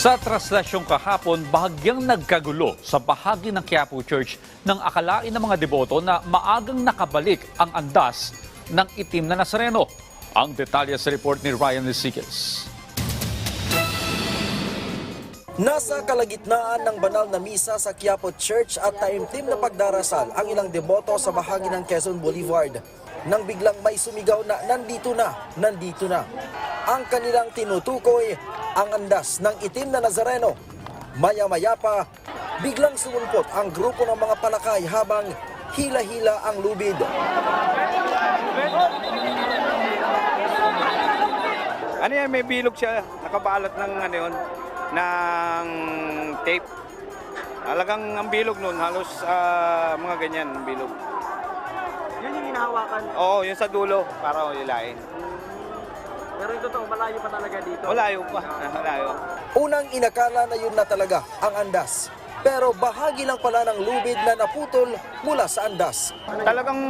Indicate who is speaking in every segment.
Speaker 1: Sa traslasyong kahapon, bahagyang nagkagulo sa bahagi ng Quiapo Church nang akalain ng mga deboto na maagang nakabalik ang andas ng itim na Nazareno. Ang detalye sa report ni Ryan Lisiques.
Speaker 2: Nasa kalagitnaan ng banal na misa sa Quiapo Church at taimtim na pagdarasal ang ilang deboto sa bahagi ng Quezon Boulevard nang biglang may sumigaw na nandito na. Ang kanilang tinutukoy ang andas ng itim na Nazareno. Maya-maya pa, biglang sumumpot ang grupo ng mga palakay habang hila-hila ang lubid.
Speaker 3: Ano yan, may bilog siya, nakabalot ng ano yun, ng tape. Talagang ang bilog nun, halos mga ganyan, ang bilog.
Speaker 4: Yun yung hinahawakan.
Speaker 3: Oo, yun sa dulo, para hilain.
Speaker 4: Pero yung totoo, malayo pa talaga dito.
Speaker 3: Malayo pa, malayo.
Speaker 2: Unang inakala na yun na talaga ang andas. Pero bahagi lang pala ng lubid na naputol mula sa andas.
Speaker 3: Talagang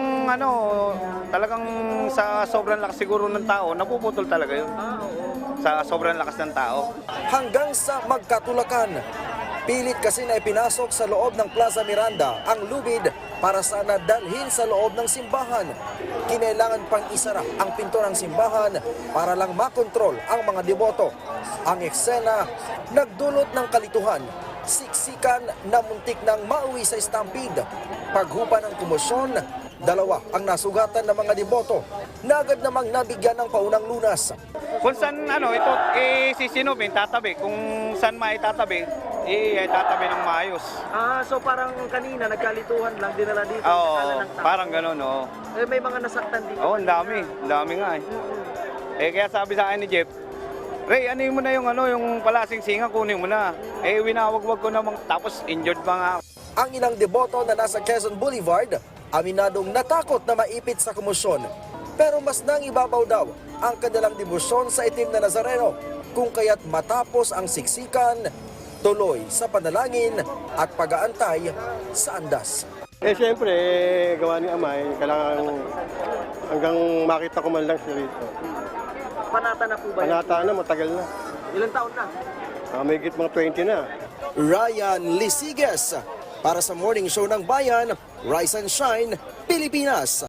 Speaker 3: talagang sa sobrang lakas siguro ng tao, napuputol talaga yun. Sa sobrang lakas ng tao.
Speaker 2: Hanggang sa magkatulakan. Pilit kasi na ipinasok sa loob ng Plaza Miranda ang lubid para sana dalhin sa loob ng simbahan. Kinailangan pang isara ang pinto ng simbahan para lang makontrol ang mga deboto. Ang eksena nagdulot ng kalituhan, siksikan na muntik nang mauwi sa stampede. Paghupa ng komosyon, 2 ang nasugatan ng mga deboto na agad namang nabigyan ng paunang lunas.
Speaker 3: Kung saan ito sisinubin, tatabi. Kung saan maitatabi, tatabi ng maayos.
Speaker 4: So parang kanina nagkalituhan lang dinala dito.
Speaker 3: Oo,
Speaker 4: Nakala ng tao.
Speaker 3: parang gano'n, oo.
Speaker 4: Eh, may mga nasaktan dito.
Speaker 3: Oo, ang dami nga eh. Kaya sabi sa akin ni Jeff, Ray, ano mo na yung palasing singa, kunin mo na. Winawagwag ko namang, tapos injured pa nga.
Speaker 2: Ang ilang deboto na nasa Quezon Boulevard, aminadong natakot na maipit sa komosyon. Pero mas nangibabaw daw ang kanilang debosyon sa itim na Nazareno, kung kaya't matapos ang siksikan, tuloy sa panalangin at pag-aantay sa andas.
Speaker 5: Siyempre, gawa ni Amay, kailangan hanggang makita ko man lang siya rito.
Speaker 4: Panata na po ba?
Speaker 5: Panata na, matagal na.
Speaker 4: Ilang taon na?
Speaker 5: May higit mga 20 na.
Speaker 2: Ryan Lisiges para sa Morning Show ng Bayan, Rise and Shine, Pilipinas.